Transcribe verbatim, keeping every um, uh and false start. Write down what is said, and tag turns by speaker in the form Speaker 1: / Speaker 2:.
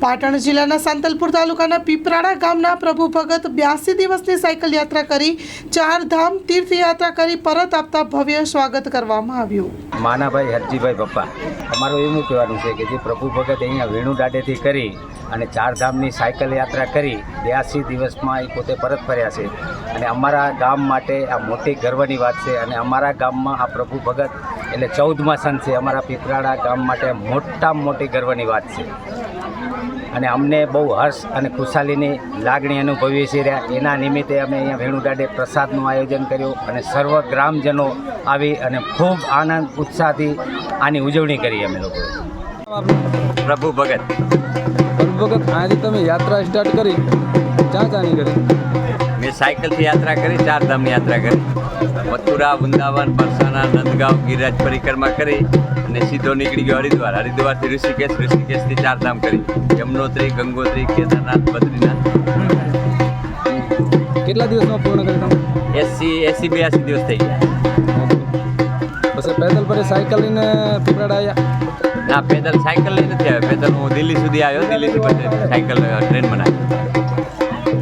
Speaker 1: પાટણ જિલ્લાના સાંતલપુર તાલુકાના પીપરાડા ગામના પ્રભુ ભગત બ્યાસી દિવસની સાયકલ યાત્રા કરી ચાર ધામ તીર્થયાત્રા કરી પરત આપતા ભવ્ય સ્વાગત કરવામાં આવ્યું।
Speaker 2: માનાભાઈ હરજીભાઈ પપ્પા અમારું એવું કહેવાનું છે કે જે પ્રભુ ભગત અહીંયા વેણુ દાડેથી કરી અને ચાર ધામની સાયકલ યાત્રા કરી બ્યાસી દિવસમાં એ પોતે પરત ફર્યા છે અને અમારા ગામ માટે આ મોટી ગર્વની વાત છે અને અમારા ગામમાં આ પ્રભુ ભગત એટલે ચૌદમા સંત છે। અમારા પીપરાડા ગામ માટે મોટામાં મોટી ગર્વની વાત છે અને અમને બહુ હર્ષ અને ખુશાલીની લાગણી અનુભવીએ છીએ। એના નિમિત્તે અમે અહીંયા વેણુ દાડે પ્રસાદનું આયોજન કર્યું અને સર્વ ગ્રામજનો આવી અને ખૂબ આનંદ ઉત્સાહથી આની ઉજવણી કરી અમે લોકોએ।
Speaker 3: પ્રભુ ભગત
Speaker 4: પ્રભુ ભગત આજે તમે યાત્રા સ્ટાર્ટ કરી ક્યાં ક્યાંની કરી?
Speaker 3: મેં સાયકલથી યાત્રા કરી, ચાર ધામની યાત્રા કરી, મથુરા, વૃંદાવન, બરસાના, નંદગાંવ, ગિરિરાજ પરિક્રમા કરી અને સીધો નીકળી ગયો હરિદ્વાર। હરિદ્વારથી ઋષિકેશ, ઋષિકેશથી ચાર ધામ કરી, યમનોત્રી, ગંગોત્રી, કેદારનાથ, બદ્રીનાથ।
Speaker 4: કેટલા દિવસમાં પૂર્ણ કરી તમે?
Speaker 3: એસી એસી બ્યાસી દિવસ થઈ ગયા।
Speaker 4: પછી પેદલ પર સાયકલ લઈને પીપરાડા આવ્યા?
Speaker 3: ના, પેદલ સાયકલ લઈ નથી આવ્યો, પેદલ હું દિલ્હી સુધી આવ્યો, દિલ્હીથી પછી સાયકલ ટ્રેન બનાવી।